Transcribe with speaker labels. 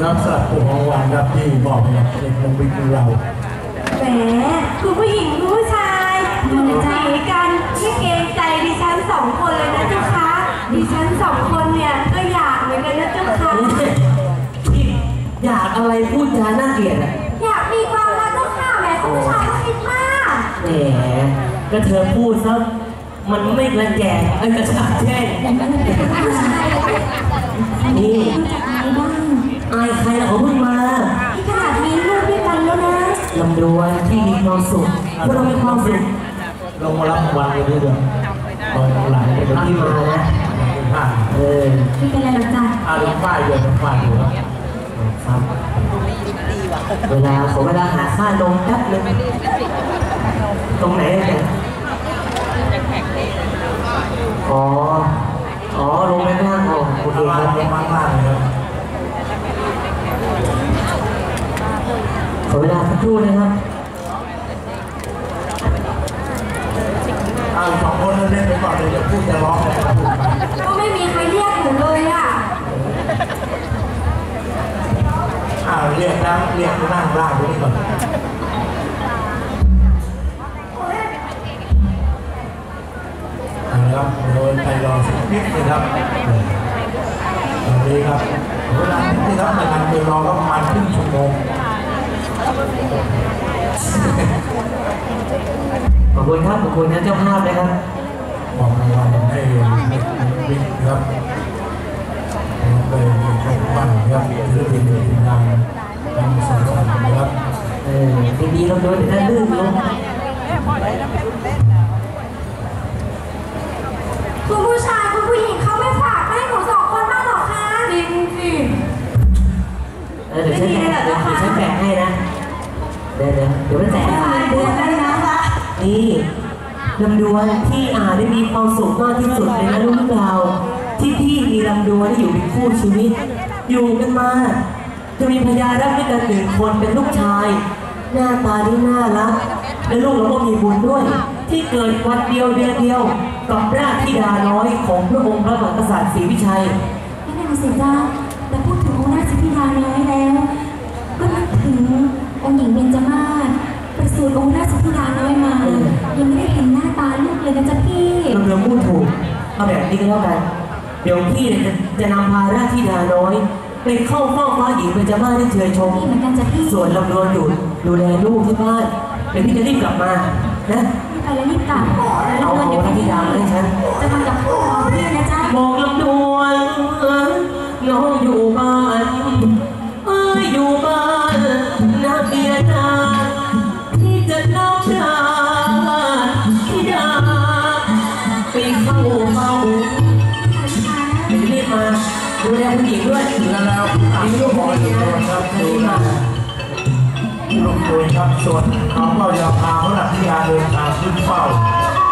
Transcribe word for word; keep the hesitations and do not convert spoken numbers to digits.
Speaker 1: ครับสำหรับผู้รางวัลครับที่บอกให้กับเด็กลงวิทย์เรา
Speaker 2: แหมคุณผู้หญิงคุณผู้ชายดูใจกันไม่เกรงใจดิฉันสองคนเลยนะเจ้าคะดิฉันสองคนเนี่ยก็อยากเหมือนกันนะเจ้าคะ
Speaker 3: อยากอะไรพูดจาน่าเกลียดอ่ะ
Speaker 2: อยากมีความรักเจ้าค่ะแหมคุณผู้ชายก็คิดมาก
Speaker 3: แหมก็เธอพูดซะมันไม่กระแจงไอ้กระชากแช่นี่อายใครล่ะเขาเพิ่งมา
Speaker 2: ที่ขนาดมีลูกด้วยกันแล้วนะ
Speaker 3: ลำดวนที่มีความสุขพวกเรามีความสุข
Speaker 1: ลงมารับรางวัลกันด้วยเดือนตรงหลังเป็น
Speaker 3: ที่มานะเออ
Speaker 2: ไม่เป็นไรหรอกจ้ะ
Speaker 1: อาลูกฝ้ายเดือนลูกฝ้ายอยู่
Speaker 3: ครับเวลาขอเวลาหาค่าลงแป๊บนึงตรงไหนเนี่ยอ๋ออ๋อลงไปข้างล่างอ๋อโอเคครับ
Speaker 1: ลงมาข้างล่างเลยครับ
Speaker 3: ขอเวลาสักครู่นะครับ
Speaker 1: อ้าวสองคนเล่นไปก่อนเลยจะพูดจะร้องอะไรก็พูดไป
Speaker 2: ก็ไม่มีใครเรียกหนูเลยอ่ะ
Speaker 1: อ้าวเรียกนะเรียกนั่งล่างตรงนี้ก่อนครับโดยไปรอสักนิดนึงครับตอนนี้ครับเวลาที่รับในการไปรอก็ประมาณครึ่งชั่วโมง
Speaker 3: ขอบคุณครับขอบคุณนะเจ้าภาพนะครับ
Speaker 1: มองรางวัลให้บิ๊กครับเป็นของบ้านครับถือเป็นทีมงานทำสังสรรค์นะครับ
Speaker 3: เออดีๆเราโดนแต่ลื่นลง
Speaker 2: คุณผู้ชายคุณผู้หญิงเขาไม่ฝากให้หนูสองคนบ้างหรอคะจริงสิ
Speaker 3: เออเดี๋ยวฉันแบ่งเดี๋ยวฉันแบ่งให้นะเดี๋ยวเดี๋ยวเดี๋ยวไม่แจก
Speaker 2: เดี๋ยวได้นะคะ
Speaker 3: นี่ลำดวนที่อาได้มีความสุขมากที่สุดในนะลูกเราที่พี่มีลำดวนที่อยู่เป็นคู่ชีวิตอยู่กันมาจะมีพญารักด้วยกันหนึ่งคนเป็นลูกชายหน้าตาที่น่ารักและลูกเราก็มีบุญด้วยที่เกิดวันเดียวเดือนเดียวกับราชธิดาน้อยของพระองค์พระมหากษัตริย์ศรีวิชัย
Speaker 2: นี่น่าเสียดายแต่พูดถึงองค์ราชธิดาน้อยแล้วก็นึกถึงองค์หญิงเบญจมาศประสูติองค์ราชธิดาน้อยมายังไม่ได้เห็นหน้าตาลูกเลยนะจ๊ะพี่
Speaker 3: เราเริ่มพูดถูกเอาแบบนี้ก็แล้วกันเดี๋ยวพี่จะจะนำพาราชธิดาน้อยไปเข้าเฝ้าฟ้าหญิงเบญจมาศได้เชยชมส่วนลำดวนอยู่ดูแลลูกที่บ้านเดี๋ยวพี่จะรีบกลับมานะ
Speaker 2: ไปแล้วรีบกลับ
Speaker 3: เอาเอาราชธิดาให้ฉัน
Speaker 2: จะทำกับพ่อพี่นะจ๊ะ
Speaker 3: บอกลำดวนน้องอยู่บ้านเอ้ยอยู่บ้านนาเบียนาที่จะเล่าดาที่ดาไปเข้าเฝ้าไปรีบมาดูแลผู้หญิงด้วย
Speaker 1: แล้วแล้วมีลูกบอลอยู่ครับดูนะลูกตัวครับส่วนเขาก็จะพาพระนักกีฬาเดินทางขึ้นเฝ้า